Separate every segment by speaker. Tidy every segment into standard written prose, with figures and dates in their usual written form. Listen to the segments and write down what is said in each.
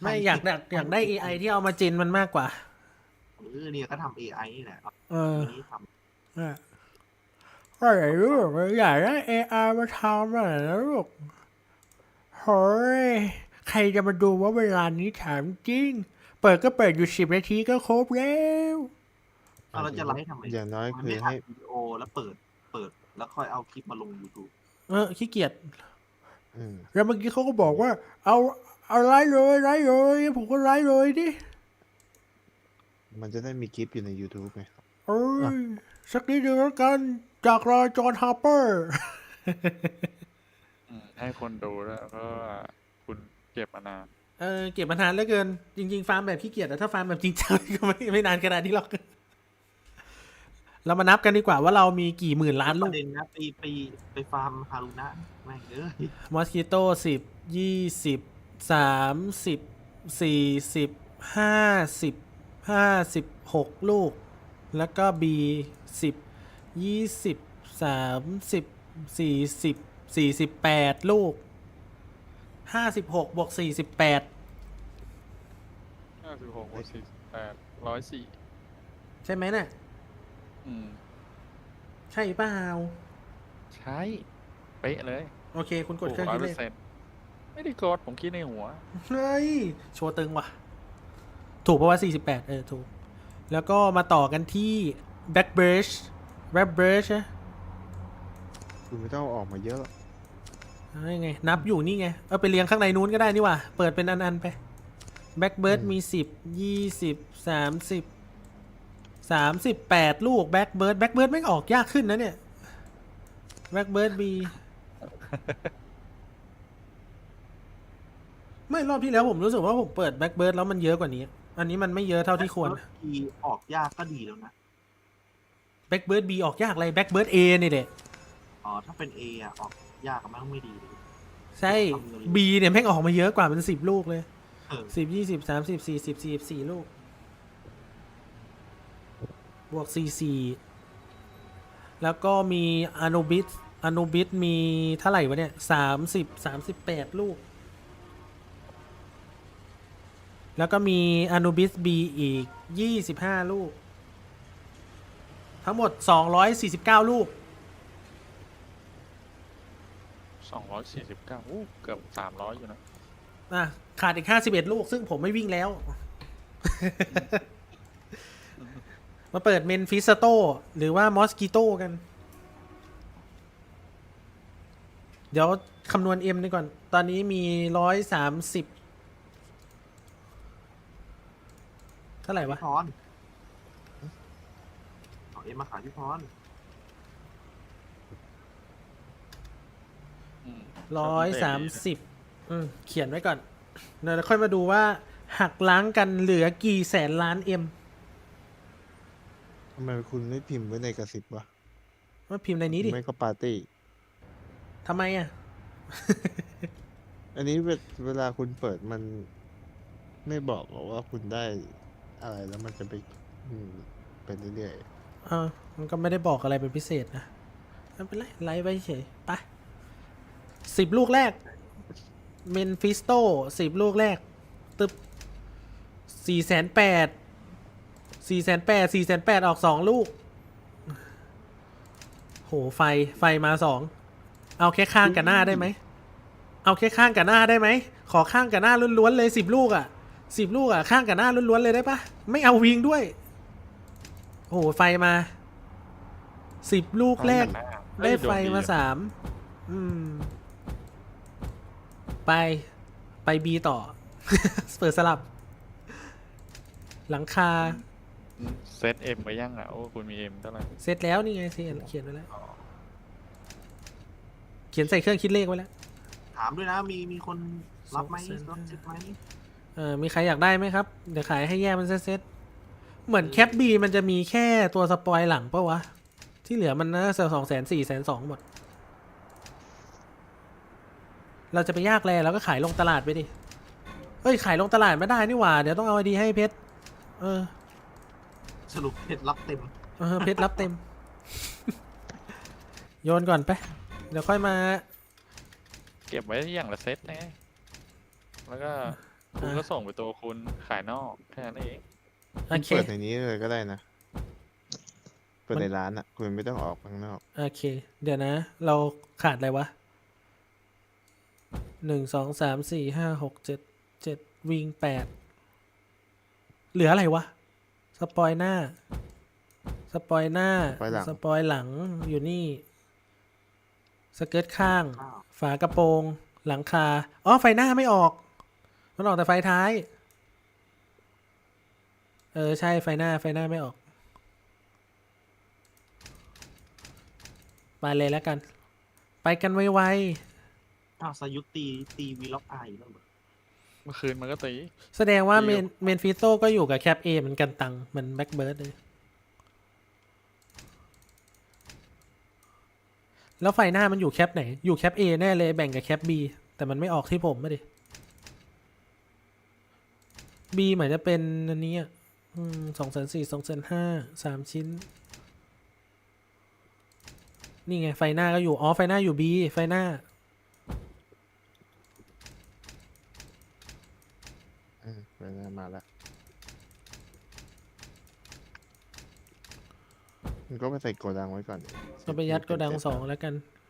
Speaker 1: ไม่อยากได้ AI ที่เอามาจินมันมากกว่า
Speaker 2: เนี่ยก็ทำ AI นี่แหละนี้ทำ
Speaker 1: ก็อยากได้ AI มาทำอะไรนะลูกเฮ้ยใครจะมาดูว่าเวลานี้ถามจริงเปิดก็เปิดอยู่10 นาทีก็ครบแล้ว
Speaker 2: เราจะไลฟ์ทำไม
Speaker 3: อย่างน้อยคือ
Speaker 2: ไม่อั
Speaker 3: ให้
Speaker 2: ดวิดีโอแล้วเปิดแล้วค่อยเอาคลิปมาลง YouTube
Speaker 1: ขี้เกียจ
Speaker 3: อืม
Speaker 1: แล้วเมื่อกี้เขาก็บอกว่า เอาไลฟ์เลยผมก็ไลฟ์เลยดิ
Speaker 3: มันจะได้มีคลิปอยู่ใน YouTube ไง
Speaker 1: เอ้ยสักนิดนึงแล้วกันจากรอยจอห์นฮาร์เปอร์
Speaker 4: ให้คนดูแล้วก็คุณเก็บมานาน
Speaker 1: เก็บมานานเหลือเกิน จริงๆฟาร์มแบบขี้เกียจแต่ถ้าฟาร์มแบบจริงจังก็ไม่นานขนาดนี้หรอก เรามานับกันดีกว่าว่าเรามีกี่หมื่นล้าน
Speaker 2: ป
Speaker 1: ลู
Speaker 2: ระ
Speaker 1: ก
Speaker 2: เด็นนะไปฟาร์มฮารุนะแม่ง
Speaker 1: มอสคิโต้10 20 30 40 56 ลูก แล้วก็B 10 20 30 40 48 ลูก 56 บวก 48
Speaker 4: 56 บวก 48 104
Speaker 1: ใช่ไหมน่ะ ใช่เปล่า
Speaker 4: ใช่เป๊ะเลย
Speaker 1: โอเค คุณกดเครื่องคิดเลข
Speaker 4: 100%ไม่ได้กดผมคิดในหัว
Speaker 1: เฮ้ย โชว์ตึงว่ะ ถูกเพราะว่า48ถูก แล้วก็มาต่อกันที่ Back Brush Back Brush นะ
Speaker 3: คุณไม่ต้องเอาออกมาเยอะหรอก
Speaker 1: ไง นับอยู่นี่ไง เอาไปเรียงข้างในนู้นก็ได้นี่ว่ะ เปิดเป็นอันๆไป Back Bird มี10 20 30 38 ลูก Back Bird ไม่งออกยากขึ้นนะเนี่ย Back Bird B ไม่รอบที่แล้วผมรู้สึกว่าผมเปิด Back Bird แล้วมันเยอะกว่านี้ อันนี้มันไม่เยอะเท่าที่ควร
Speaker 2: ทีออกยากก็ดีแล้วนะ
Speaker 1: Back Bird B ออกยากอะไร Back Bird A นี่แหละ
Speaker 2: ถ้าเป็น A ออกยากก็ไม่ดีเลย
Speaker 1: ใช่ B เนี่ยแม่งออกมาเยอะกว่าเป็น10 ลูกเลย
Speaker 2: เออ
Speaker 1: 10 20 30 40 44 ลูก บวก 44 แล้วก็มีอนุบิสมีเท่าไหร่วะเนี่ย38 ลูก แล้วก็มีอนุบิส B อีก25 ลูก ทั้งหมด249 ลูก
Speaker 4: 249เกือบ300อยู่นะ
Speaker 1: ขาดอีก51 ลูก ซึ่งผมไม่วิ่งแล้ว มาเปิดเมนฟิสโตหรือว่ามอสกิโตกัน เดี๋ยวคำนวณ M ดีก่อน ตอนนี้มี130เท่าไหร่วะ
Speaker 2: พรเอาเอ็มมาขายที่พร
Speaker 1: 130เขียนไว้ก่อนเดี๋ยวค่อยมาดูว่า หักล้างกันเหลือกี่แสนล้าน M
Speaker 3: ทำไมคุณไม่พิมพ์ไว้ในกระสิบวะ
Speaker 1: มาพิมพ์ในนี้ดิ
Speaker 3: ไม่ก็ปาร์ตี้
Speaker 1: ทำไมอ่ะ
Speaker 3: อันนี้เวลาคุณเปิดมันไม่บอกหรอกว่าคุณได้อะไรแล้วมันจะไปไปเรื่อย
Speaker 1: มันก็ไม่ได้บอกอะไรเป็นพิเศษนะไม่เป็นไรไลฟ์ไว้เฉยไป10 ลูกแรกเมนฟิสโต10 ลูกแรกตึบ480,000ออก2 ลูกโหไฟมา2เอาแค่ข้างกับหน้าได้ไหมเอาแค่ข้างกับหน้าได้ไหมขอข้างกับหน้าล้วนๆเลย10 ลูกอ่ะ10 ลูกอ่ะข้างกับหน้าล้วนๆเลยได้ปะไม่เอาวิงด้วยโอ้โหไฟมา10 ลูกแรกได้ไฟมา3ไป B ต่อ เปิดสลับ หลังคา
Speaker 4: เซต M ไปยังอ่ะโอ้คุณมี M เท่าไหร่
Speaker 1: เสร็จแล้วนี่ไงเขียนไว้แล้ว เขียนใส่เครื่องคิดเลขไว้แล้ว
Speaker 2: ถามด้วยนะมีคนรับไหมรับเช็คไหม
Speaker 1: มีใครอยากได้ไหมครับ เดี๋ยวขายให้แยกเป็นเซตเหมือนแคปบีมันจะมีแค่ตัวสปอยหลังปะวะ ที่เหลือมันน่าจะ200,000 400,000 หมด เราจะไปยากแลเราก็ขายลงตลาดไปดิเอ้ยขายลงตลาดไม่ได้นี่หว่าเดี๋ยวต้องเอาไอดีให้เพชร
Speaker 2: สรุปเพชรรับเต็ม
Speaker 1: เพชรรับเต็ม โยนก่อนไปเดี๋ยวค่อยมา
Speaker 4: เก็บไว้อย่างละเซตนะแล้วก็คุณก็ส่งไปตัวคุณขายนอกแค่นั้นเอง
Speaker 1: โอ
Speaker 3: คุณ
Speaker 1: เค
Speaker 3: เปิดในนี้เลยก็ได้นะ เปิดในร้านอ่ะ คุณไม่ต้องออกข้างนอก
Speaker 1: โอเค เดี๋ยวนะ เราขาดอะไรวะ1 2 3 4 5 6 7 วิง8เหลืออะไรวะ สปอยหน้า สปอยหน้า
Speaker 3: สปอยหลัง
Speaker 1: สปอยหลังอยู่นี่ สเกิร์ตข้าง
Speaker 2: ข้าว
Speaker 1: ฝากระโปรง หลังคา อ๋อ ไฟหน้าไม่ออก มันออกแต่ไฟท้าย ใช่ ไฟหน้าไม่ออก ไปเลยแล้วกัน ไปกันไว
Speaker 2: อ้าวสยุตตีวีล็อกไอแล้วเหรอ
Speaker 4: เมื่อคืนมันก็ตี
Speaker 1: ๆ แสดงว่า
Speaker 4: เดี๋ยว
Speaker 1: เมนฟิโซก็อยู่กับแคปเอเหมือนกันตังเหมือนแบ็กเบิร์ดเลย แล้วไฟหน้ามันอยู่แคปไหน อยู่แคป A แน่เลยแบ่งกับแคป B แต่มันไม่ออกที่ผมไม่ดิ B เหมือนจะเป็นอันนี้อ่ะ240,000 250,000 3 ชิ้น นี่ไง ไฟหน้าก็อยู่ อ๋อ ไฟหน้าอยู่ B ไฟหน้า
Speaker 3: เวลามาแล้วมันก็ไปใส่โกดังไว้ก่อน
Speaker 1: เราไปยัดโกดัง2แล้วกัน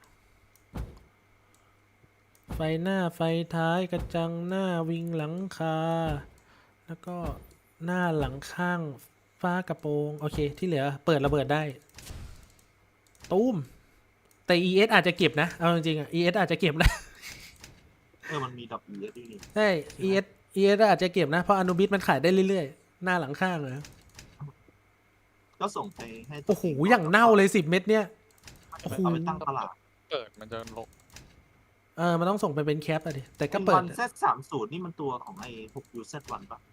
Speaker 1: ไฟหน้าไฟท้ายกระจังหน้าวิงหลังคา แล้วก็หน้าหลังข้างฟ้ากระโปรง โอเค ที่เหลือเปิดระเบิดได้ ตูม แต่ ES อาจจะเก็บนะ เอาจริงๆอ่ะ ES อาจจะเก็บนะ
Speaker 2: มันมีดับเบิลด้วยนี่
Speaker 1: ใช่ ES อาจจะเก็บนะ เพราะอนุบิสมันขายได้เรื่อยๆ หน้าหลังข้างนะ
Speaker 2: ก็ส่งไปให้
Speaker 1: โอ้โห อย่างเน่าเลย10 เม็ดเนี่ย โอ้โห
Speaker 2: เอาไปตั้งตลาด
Speaker 4: เปิดมันจะลง
Speaker 1: มันต้องส่งไปเป็นแคปอะดิ แต่ก็
Speaker 2: ไอ้
Speaker 1: เปิด
Speaker 2: วันเซต30นี่มันตัวของไอ้6 UZ1 ปะ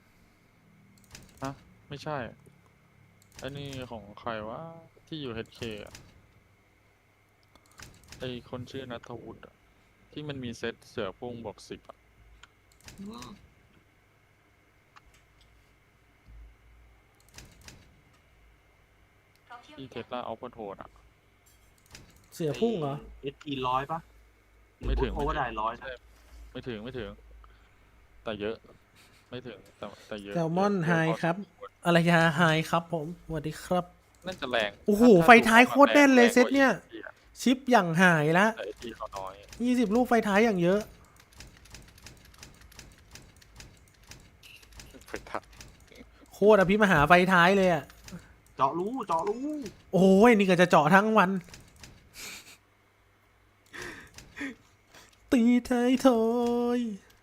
Speaker 4: ไม่ใช่ไอ้นี่ของใครวะที่อยู่ HK อ่ะไอ้คนชื่อนัทวุฒิอะที่มันมีเซตเสือพุ่งบวก10อ่ะ
Speaker 2: อืม
Speaker 4: ที่เทสลาเอาพอโทนอ่ะ
Speaker 1: เสือพุ่งเหรอ
Speaker 2: SP 100ปะ
Speaker 4: ไม่ถึง
Speaker 2: โอเวอร์ไดร้อย
Speaker 4: ใช่ไม่ถึง แต่เยอะ ไม่ถึงแต่เยอะ
Speaker 1: แซลมอน
Speaker 4: เยะ
Speaker 1: ไฮ
Speaker 4: พอ
Speaker 1: ครับ อะไรยาไฮครับผมสวัสดีครับ
Speaker 4: น่าจะแรง
Speaker 1: โอ้โห
Speaker 4: ถ้
Speaker 1: ไฟท้ายโคตรแน่นเลย
Speaker 4: แงกว่า
Speaker 1: เซตเนี่ย
Speaker 4: ET อะ
Speaker 1: ชิปอย่างหายละ
Speaker 4: แต่ ET เขาน้อย
Speaker 1: 20 ลูกไฟท้ายอย่างเยอะ
Speaker 4: ไฟท้าย
Speaker 1: โคตรอภิมหาไฟท้ายเลยอ่ะ
Speaker 2: เจาะรู
Speaker 1: โอ้ยนี่ก็จะเจาะทั้งวัน ตีไทยทอย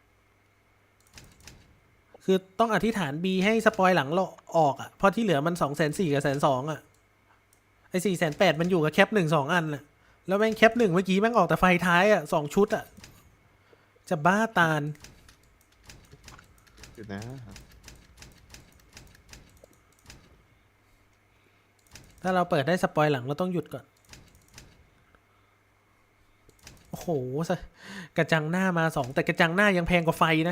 Speaker 1: คือต้องอธิษฐาน B ให้สปอยหลังเราออกอ่ะ เพราะที่เหลือมัน240,000กับ120,000อ่ะ ไอ้480,000มันอยู่กับแคป1 2 อันอ่ะ แล้วแม่งแคป1เมื่อกี้แม่งออกแต่ไฟท้ายอ่ะ2 ชุดอ่ะ จะบ้าตาล
Speaker 3: อยู่นะ
Speaker 1: ถ้าเราเปิดได้สปอยหลังเราต้องหยุดก่อน โอ้โห กระจังหน้ามา2แต่กระจังหน้ายังแพงกว่าไฟนะ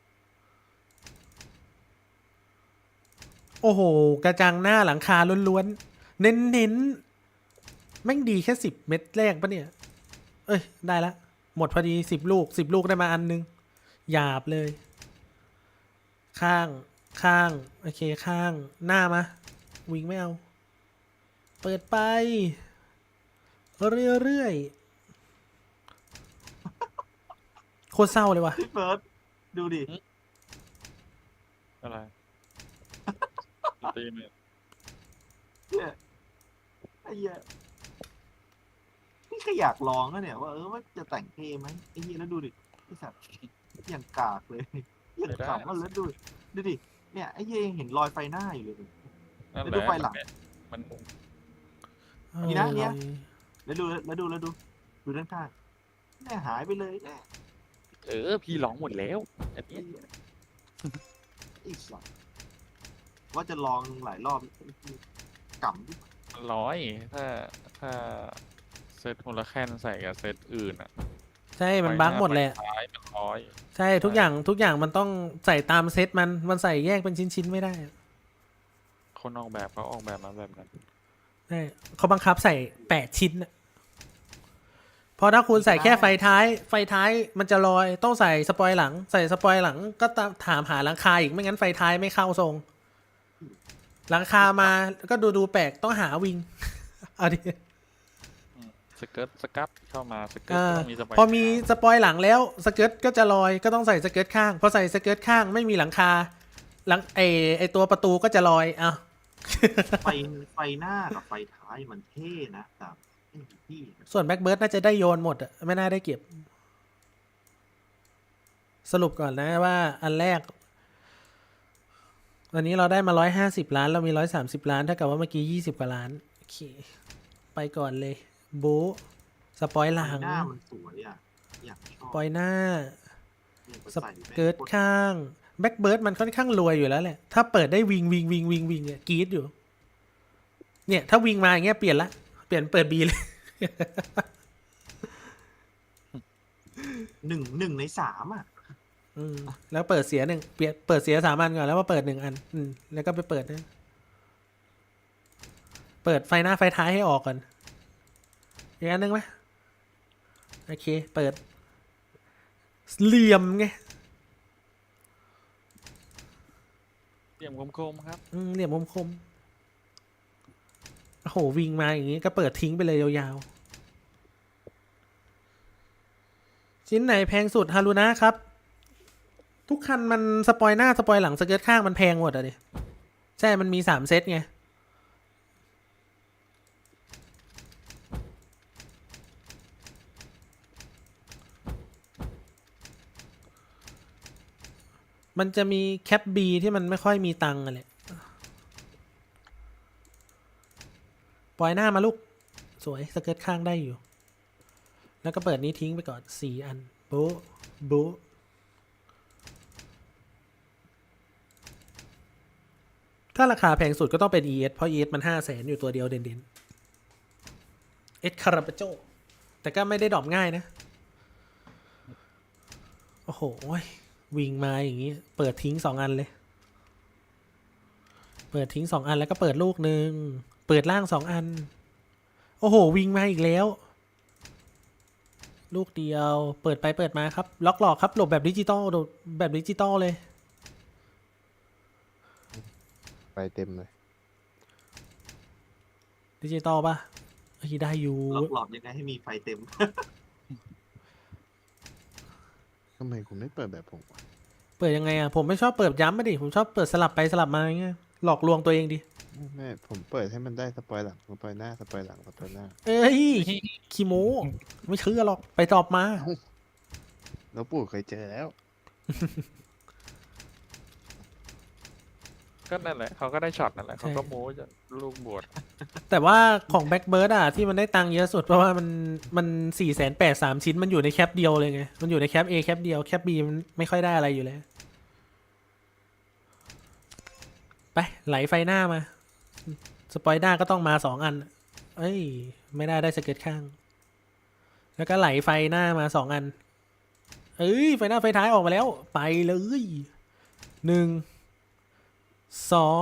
Speaker 1: โอ้โห กระจังหน้าหลังคาล้วนๆ เน้นๆ แม่งดีแค่10 เม็ดแรกปะเนี่ย เอ้ย ได้ละ หมดพอดี10 ลูก10 ลูกได้มาอันนึง หยาบเลย ข้าง โอเค ข้าง หน้ามา วิ่งไม่เอา เปิดไป เรื่อยๆ โคตรเศร้าเลยว่ะ
Speaker 2: พี่เฟิร์สดูดิ
Speaker 4: อะไรตีเนี่ย
Speaker 2: เนี่ยไอ้เหี้ยนี่ก็อยากลองนะเนี่ยว่าว่าจะแต่งเท่ไหมไอ้เหี้ยแล้วดูดิไอ้สัตว์อย่างกากเลยอย่างกากแล้วดูดิเนี่ยไอ้เหี้ยยังเห็นรอยไฟหน้าอยู่เลย
Speaker 4: นั่น
Speaker 2: แล้ว
Speaker 4: แห
Speaker 2: ดู
Speaker 4: ละ
Speaker 2: ไฟหลัง
Speaker 4: มัน
Speaker 2: นี่นะเนี่ย แล้วดูด้านข้างเนี่ยหายไปเลยเนี่ย
Speaker 4: พี่ร้องหมดแล้วอัน
Speaker 2: ไอ้
Speaker 4: นี้
Speaker 2: เหี้ยไอ้สัตว์ว่าจะลองหลายรอบกำดิ
Speaker 4: มันร้อยถ้าเซตคนละแคนใส่กับเซตอื่นอ่ะ
Speaker 1: ใช่ มันบั๊กหมดเลยอะ
Speaker 4: ไฟท้ายมันร้อย
Speaker 1: ใช่ ทุกอย่างมันต้องใส่ตามเซตมันใส่แยกเป็นชิ้นๆไม่ได้อะ
Speaker 4: คนออกแบบเขาออกแบบมาแบบนั้น
Speaker 1: ใช่เขาบังคับใส่8 ชิ้นน่ะเพราะถ้าคุณใส่แค่ไฟท้าย ไฟท้ายมันจะลอยต้องใส่สปอยหลัง ใส่สปอยหลังก็ถามหาหลังคาอีกไม่งั้นไฟท้ายไม่เข้าทรง หลังคามาก็ดูแปลกต้องหาวิง เอาดิ
Speaker 4: สเกิร์ตสกับเข้ามาสเกิร์ต
Speaker 1: อ่า
Speaker 4: ก็ต้องมีสปอย
Speaker 1: พอมีสปอยหลังแล้วสเกิร์ตก็จะลอยก็ต้องใส่สเกิร์ตข้างพอใส่สเกิร์ตข้างไม่มีหลังคาหลังไอตัวประตูก็จะลอยอ้าว
Speaker 2: ไฟไฟหน้ากับไฟท้ายมันเท่นะแต่ไอ้พี่
Speaker 1: ส่วนแบ็กเบิร์ดน่าจะได้โยนหมดอะไม่น่าได้เก็บ สรุปก่อนนะว่าอันแรกวันนี้เราได้มา150 ล้านเรามี130 ล้านเท่ากับว่าเมื่อกี้20 กว่าล้านโอเคไปก่อนเลยโบะสปอยห
Speaker 2: ไฟ
Speaker 1: ลัง
Speaker 2: หน้ามันสวยอ่ะอยากชอบ
Speaker 1: สปอยหน้า
Speaker 2: เนี่ย
Speaker 1: ส
Speaker 2: ใส่แม่ง
Speaker 1: เกิร์ตข้างแบ็กเบิร์ดมันค่อนข้างรวยอยู่แล้วแหละ ถ้าเปิดได้วิงเนี่ยกรีดอยู่ เนี่ย ถ้าวิงมาอย่างเงี้ยเปลี่ยนละเปลี่ยนเปิดบีเลย
Speaker 2: หนึ่งในสามอ่ะ
Speaker 1: อืมแล้วเปิดเสียหนึ่งเปิดเสีย3 อันก่อนแล้วมาเปิด1 อันแล้วก็ไปเปิดนะเปิดไฟหน้าไฟท้ายให้ออกก่อนอีกอันหนึ่งไหมโอเค เปิดเหลี่ยมไง
Speaker 4: เหลี่ยมคมๆครับ
Speaker 1: เหลี่ยมคมๆโอ้โหวิงมาอย่างงี้ก็เปิดทิ้งไปเลยยาวๆชิ้นไหนแพงสุดฮารุนะครับ ทุกคันมันสปอยหน้าสปอยหลังสเกิร์ตข้างมันแพงหมดอะดิใช่มันมี3 เซตไงมันจะมีแคปบีที่มันไม่ค่อยมีตังค์อะไรปล่อยหน้ามาลูกสวยสเกิร์ตข้างได้อยู่ แล้วก็เปิดนี้ทิ้งไปก่อน4 อันโบ๊ะโบ๊ะถ้าราคาแพงสุดก็ต้องเป็น ES เพราะ ES มัน500,000อยู่ตัวเดียวเด่นๆ S คาราปาโจแต่ก็ไม่ได้ดรอปง่ายนะ โอ้โหวิงมาอย่างงี้ เปิดทิ้ง2 อันเลย เปิดทิ้ง2 อันแล้วก็เปิดลูกหนึ่งเปิดล่าง2 อัน โอ้โหวิงมาอีกแล้ว ลูกเดียวเปิดไปเปิดมาครับ ล็อกหลอกครับหลบแบบดิจิตอลแบบดิจิตอลเลย
Speaker 3: ไปเต็มเลย
Speaker 1: ดิจิตอลป่ะเฮ้ยได้อยู่
Speaker 2: ล็อกหลอดยังไงให้มีไฟเต็ม
Speaker 3: ทำไมคุณไม่เปิดแบบผมวะ
Speaker 1: เปิดยังไงอ่ะผมไม่ชอบเปิดย้ำมาดิผมชอบเปิดสลับไปสลับมาอย่างเงี้ยหลอกลวงตัวเองดิ
Speaker 3: ไม่ผมเปิดให้มันได้สปอยหลังสปอยหน้าสปอยหลังสปอยหน้า
Speaker 1: เอ้ยขี้โม้ไม่เชื่อหรอกไปตอบมา
Speaker 3: แล้วปู่เคยเจอแล้ว
Speaker 4: ก็นั่นแหละเขาก็ได้ช็อตนั่นแหละเขาก็โม้จะลูกบวช
Speaker 1: แต่ว่าของแบ็กเบิร์ดอ่ะที่มันได้ตังค์เยอะสุดเพราะว่ามัน480,000 3 ชิ้นมันอยู่ในแคปเดียวเลยไงมันอยู่ในแคป A แคปเดียวแคป B มันไม่ค่อยได้อะไรอยู่แล้วไปไหลไฟหน้ามาสปอยหน้าก็ต้องมา2 อันเอ้ยไม่ได้สเก็ตข้าง แล้วก็ไหลไฟหน้ามา2 อันเอ้ยไฟหน้าไฟท้ายออกมาแล้วไปเลย1 2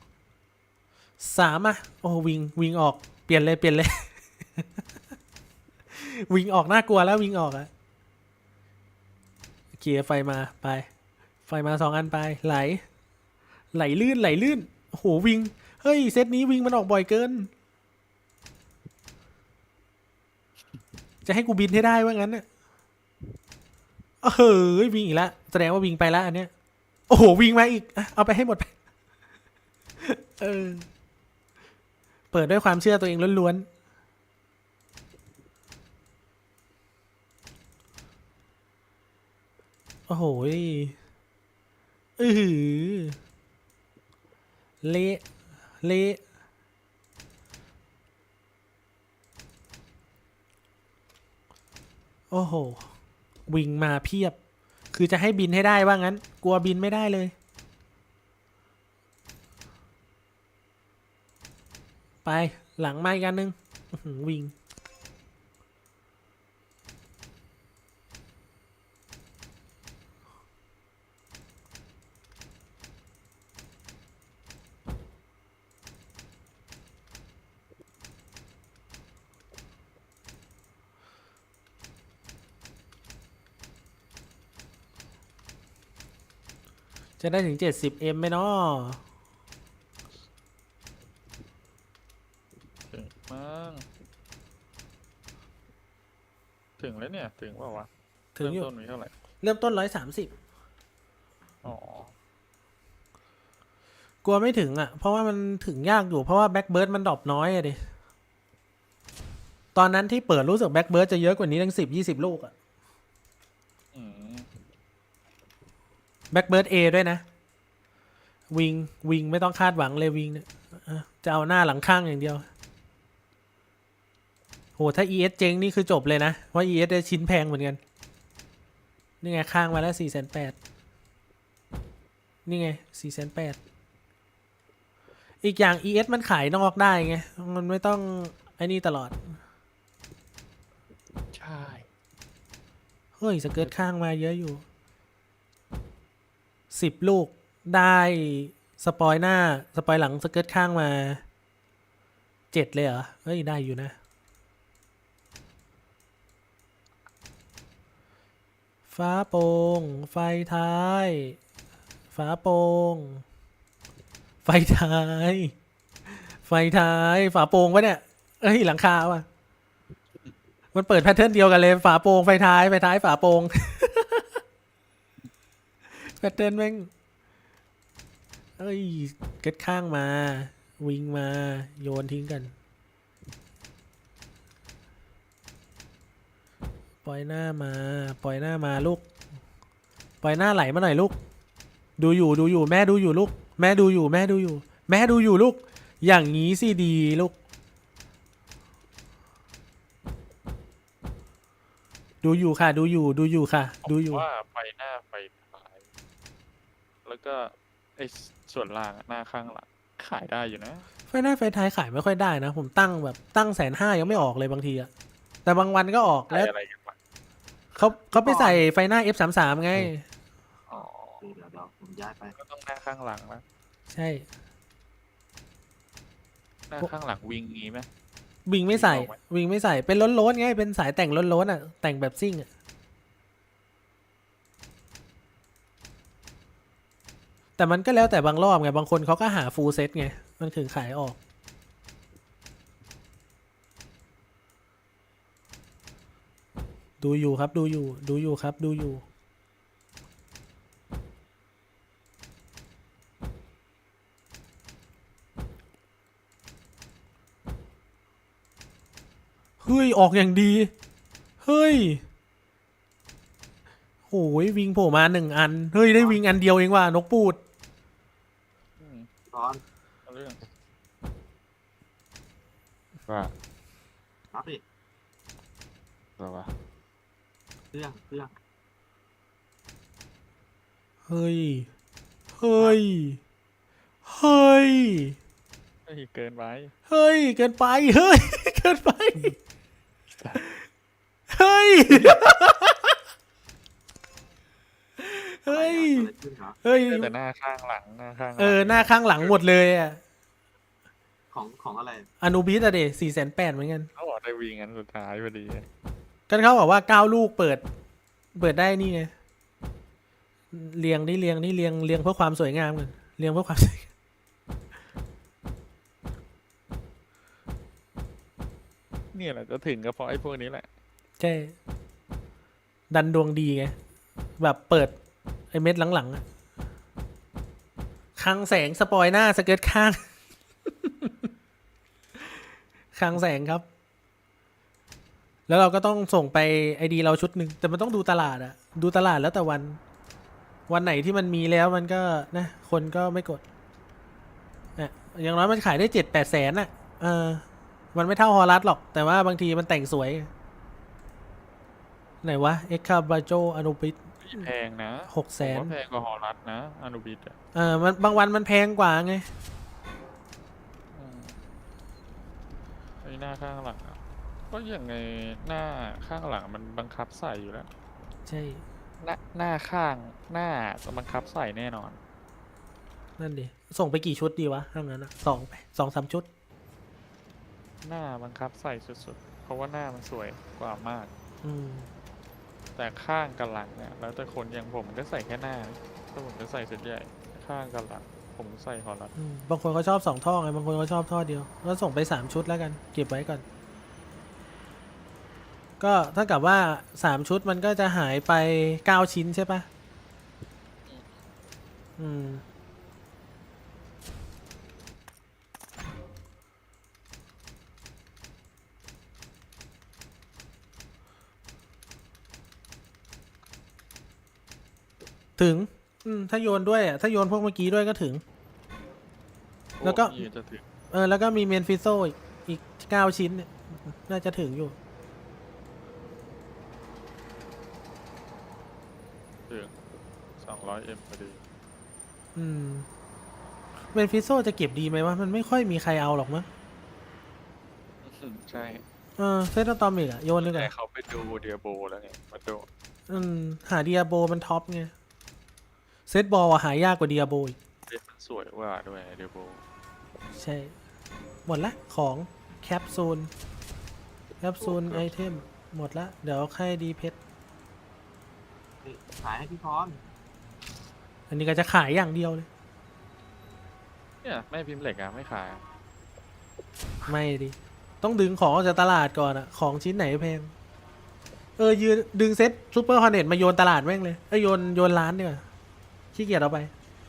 Speaker 1: 3อ่ะโอ้วิงออกเปลี่ยนเลย วิงออกน่ากลัวแล้ววิงออกอะเคลียร์ไฟมาไปไฟมา2 อันไปไหลลื่นโอ้โหวิงเฮ้ยเซตนี้วิงมันออกบ่อยเกิน จะให้กูบินให้ได้ว่างั้นน่ะเฮ้ยวิงอีกแล้วแสดงว่าวิงไปแล้วอันเนี้ยโอ้โหวิงมาอีกอ่ะเอาไปให้หมดไปเปิดด้วยความเชื่อตัวเองล้วนๆโอ้โหเละโอ้โหวิงมาเพียบคือจะให้บินให้ได้ว่างั้นกลัวบินไม่ได้เลยไปหลังมาอีกอันนึงวิงจะได้ถึง 70M ไหมเนาะ
Speaker 4: ถึงมั้งถึงแล้วเนี่ย ถึงเปล่าวะ
Speaker 1: ถึงอยู่
Speaker 4: เริ่มต้นมีเท่าไหร่
Speaker 1: เริ่มต้น 130
Speaker 4: อ๋อ
Speaker 1: กลัวไม่ถึงอ่ะ เพราะว่ามันถึงยากอยู่ เพราะว่าแบ็กเบิร์ดมันดรอปน้อยอะดิ ตอนนั้นที่เปิดรู้สึกแบ็กเบิร์ดจะเยอะกว่านี้ตั้ง10-20 ลูกอ่ะ
Speaker 4: อืม
Speaker 1: แบ็กเบิร์ด A ด้วยนะ วิงไม่ต้องคาดหวังเลยวิงเนี่ยจะเอาหน้าหลังข้างอย่างเดียว โห ถ้า ES เจ๊งนี่คือจบเลยนะ เพราะ ES ได้ชิ้นแพงเหมือนกัน นี่ไงข้างมาแล้ว480,000นี่ไง480,000อีกอย่าง ES มันขายนอกได้ไง มันไม่ต้องไอ้นี่ตลอด
Speaker 4: ใช่
Speaker 1: เฮ้ยสเกิร์ตข้างมาเยอะอยู่10 ลูกได้สปอยหน้าสปอยหลังสเกิร์ตข้างมา7เลยเหรอ เฮ้ยได้อยู่นะ ฟ้าโปร่งไฟท้าย ฟ้าโปร่งไฟท้าย ไฟท้ายฝาโปร่งปะเนี่ยเอ้ยหลังคาว่ะมันเปิดแพทเทิร์นเดียวกันเลยฝาโปร่งไฟท้ายฝาโปร่ง แพทเทิร์นแม่งเอ้ยเก็ตข้างมาวิงมาโยนทิ้งกันปล่อยหน้ามาลูกปล่อยหน้าไหลมาหน่อยลูกดูอยู่แม่ดูอยู่ลูกแม่ดูอยู่ลูกอย่างนี้สิดีลูกดูอยู่ค่ะดูอยู่
Speaker 4: ว่าไฟหน้าไฟท้าย แล้วก็ไอ้ส่วนล่างอะหน้าข้างหลังขายได้อยู่นะ
Speaker 1: ไฟหน้าไฟท้ายขายไม่ค่อยได้นะผมตั้ง150,000ยังไม่ออกเลยบางทีอะแต่บางวันก็ออก
Speaker 4: ขา
Speaker 1: แล้ว
Speaker 4: ยอะไรกันวะ
Speaker 1: เขาไปใส่ไฟหน้า F33 ไง
Speaker 4: อ๋อ
Speaker 2: เดี๋ยวผมย้ายไป
Speaker 4: ก็ต้องหน้าข้างหลังนะ
Speaker 1: ใช่
Speaker 4: หน้าข้างหลังวิงงี้ไหม
Speaker 1: วิงไม่ใส่
Speaker 4: ออกไหม
Speaker 1: วิงไม่ใส่เป็นล้นๆไงเป็นสายแต่งล้นๆอ่ะแต่งแบบซิ่งอ่ะแต่มันก็แล้วแต่บางรอบไงบางคนเขาก็หาฟูลเซ็ตไงมันถึงขายออกดูอยู่ครับดูอยู่เฮ้ยออกอย่างดีเฮ้ยโอ้ยวิงโผล่มา1 อันเฮ้ยได้วิงอันเดียวเองว่ะนกปูด
Speaker 4: อืม
Speaker 2: ร้อน
Speaker 4: เอาเรื่อง
Speaker 3: ว่า
Speaker 2: รับดิ
Speaker 3: เราว่า
Speaker 2: เครื่อง
Speaker 1: เฮ้ย
Speaker 4: เฮ้ยเกินไป
Speaker 1: เฮ้ย เกินไป เฮ้ย เกินไป เฮ้ย เฮ้ย
Speaker 2: อะไรขึ้นครับ
Speaker 1: เฮ้ย
Speaker 4: แต่หน้าข้างหลังหน้าข้าง
Speaker 1: หน้าข้างหลังหมดเลยอ่ะ
Speaker 2: ของอะไร
Speaker 1: อนูบิสอะเด480,000เหมือนกัน
Speaker 4: เขาบอกได้วิงอันสุดท้ายพอดี
Speaker 1: กันเขาบอกว่า9 ลูกเปิดได้นี่ไง เรียงเพื่อความสวยงามกันเรียงเพื่อความสวยงาม
Speaker 4: เนี่ยแหละจะถึงก็เพราะไอ้พวกนี้แหละ
Speaker 1: ใช่ ดันดวงดีไง แบบเปิดไอเม็ดหลังๆอะคลังแสงสปอยหน้าสเกิร์ตข้าง คลังแสงครับ แล้วเราก็ต้องส่งไปไอดีเราชุดหนึ่งแต่มันต้องดูตลาดอะดูตลาดแล้วแต่วันไหนที่มันมีแล้วมันก็นะคนก็ไม่กดอะอย่างน้อยมันขายได้7-8 แสนอะมันไม่เท่าฮอลัสหรอกแต่ว่าบางทีมันแต่งสวย ไหนวะเอ็กคาบาโจอนุบิส
Speaker 4: แพงนะ
Speaker 1: 600,000
Speaker 4: ผมว่าแพงกว่าฮอลลัสนะอนุบิดอ่ะ
Speaker 1: มันบางวันมันแพงกว่าไง
Speaker 4: อืมไอ้หน้าข้างหลังอะก็อย่างไงหน้าข้างหลังมันบังคับใส่อยู่แล้ว
Speaker 1: ใช่
Speaker 4: หน้าข้างหน้าจะบังคับใส่แน่นอน
Speaker 1: นั่นดิส่งไปกี่ชุดดีวะถ้างั้นอะ2-3 ชุด
Speaker 4: หน้าบังคับใส่สุดๆ เพราะว่าหน้ามันสวยกว่ามาก
Speaker 1: อืม
Speaker 4: แต่ข้างกับหลังเนี่ยแล้วแต่คนอย่างผมก็ใส่แค่หน้า ไปแต่ผมจะใส่เซตใหญ่ข้างกันหลังผมใส่ฮอลลัด
Speaker 1: บางคนเขาชอบ2 ท่อไงบางคนเขาชอบท่อเดียวก็ส่งไป3 ชุดแล้วกัน เก็บไว้ก่อน ก็เท่ากับว่า3 ชุดมันก็จะหายไป9 ชิ้นใช่ปะอืม ถึง ถ้าโยนด้วยอ่ะ ถ้าโยนพวกเมื่อกี้ด้วยก็ถึง แล้วก็
Speaker 4: โอ้พี่จะถึง
Speaker 1: แล้วก็มีเมนฟิโซอีก9 ชิ้นเนี่ยน่าจะถึงอยู่
Speaker 4: ถึง200M พอดี
Speaker 1: เมนฟิโซจะเก็บดีไหมวะ มันไม่ค่อยมีใครเอาหรอกมั้ง
Speaker 4: ใช่
Speaker 1: เซตตอมิกอะโยนเลยกั
Speaker 4: แต่
Speaker 1: น
Speaker 4: เขาไปดูเดียโบแล้วไงมาดู
Speaker 1: หาเดียโบมันท็อปไง เซตบอลอะหายากกว่าเดียโบอีก
Speaker 4: เด็กมันสวยกว่าด้วยเดียโบ
Speaker 1: ใช่ หมดละของแคปซูลไอเทม หมดละ เดี๋ยวใครดีเพชร
Speaker 2: นี่ขายให้พี่พร
Speaker 1: อันนี้ก็จะขายอย่างเดียวเลย
Speaker 4: เนี่ยแม่พิมพ์เหล็กอะไม่ขายอะ
Speaker 1: ไม่ดิ ต้องดึงของออกจากตลาดก่อนอะของชิ้นไหนแพง ยืนดึงเซ็ตซูเปอร์ฮอร์เน็ตมาโยนตลาดแม่งเลยโยนร้านดีกว่าขี้เกียจเอาไป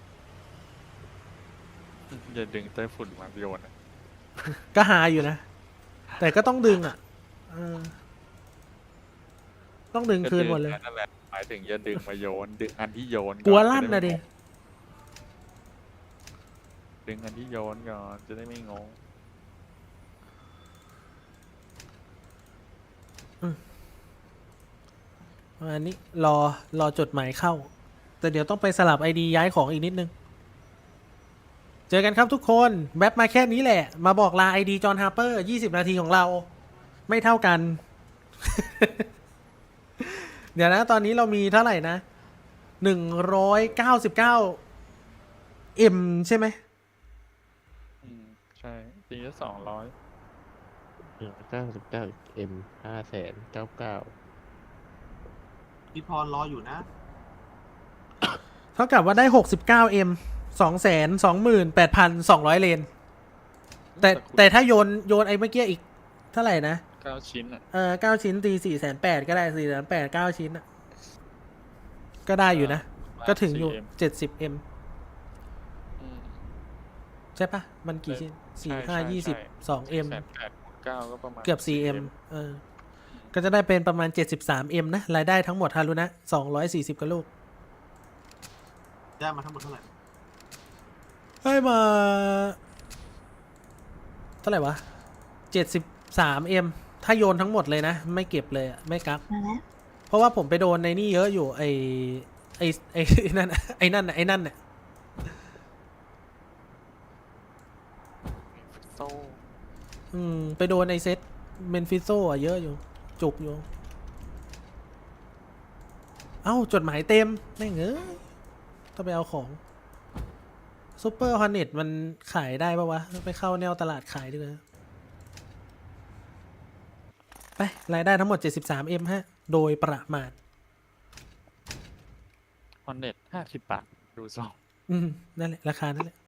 Speaker 4: อย่าดึงไต้ฝุ่นมาโยนอะ
Speaker 1: ก็หาอยู่นะ แต่ก็ต้องดึงอ่ะต้องดึงคืนหมดเลย
Speaker 4: นั่นแหละหมายถึงอย่าดึงมาโยน ดึงอันที่โยน
Speaker 1: กลัวลั่นนะดิ
Speaker 4: ดึงอันที่โยนก่อนจะได้ไม่งง
Speaker 1: อันนี้รอจดหมายเข้า แต่เดี๋ยวต้องไปสลับ ID ย้ายของอีกนิดนึง เจอกันครับทุกคนแวบมาแค่นี้แหละ มาบอกลา ID จอห์นฮาร์เปอร์20 นาทีของเรา ไม่เท่ากัน เดี๋ยวนะ ตอนนี้เรามีเท่าไหร่นะ199 M ใช่ไหม
Speaker 4: ใช่จริงๆ200
Speaker 3: 99M 599,000
Speaker 2: พี่พรรออยู่นะ
Speaker 1: เท่ากับว่าได้69M 228,200 เลน แต่ถ้าโยนไอ้เมื่อกี้อีกเท่าไหร่นะ
Speaker 4: 9 ชิ้นอ่ะ
Speaker 1: 9 ชิ้นตี480,000ก็ได้480,000 9 ชิ้นอะก็ได้อยู่นะ ก็ถึงอยู่ 70M ใช่ปะมันกี่ชิ้น4 5 20 2M
Speaker 4: 8,900ก็ประมาณ
Speaker 1: เกือบ 4M ก็จะได้เป็นประมาณ 73M นะ รายได้ทั้งหมดฮารุนะ240กว่าลูก
Speaker 2: ได้มาทั้งหมดเท่าไหร่
Speaker 1: ให้มา เท่าไหร่วะ 73M ถ้าโยนทั้งหมดเลยนะ ไม่เก็บเลยอะไม่กัก
Speaker 5: มาแล้ว
Speaker 1: เพราะว่าผมไปโดนในนี่เยอะอยู่ ไอ้นั่นน่ะไอ้นั่นน่ะ
Speaker 4: โซ่
Speaker 1: ไปโดนไอเซตเมนฟิโซอ่ะเยอะอยู่ จุกอยู่ เอ้า จดหมายเต็มแม่งต้องไปเอาของซูเปอร์ฮอร์เน็ตมันขายได้ปะวะ ไปเข้าแนวตลาดขายดีกว่าไป รายได้ทั้งหมด 73M ฮะ โดยประมาณ
Speaker 4: ฮอนเน็ต50 บาท ดูซอง
Speaker 1: นั่นแหละ ราคานั่นแหละ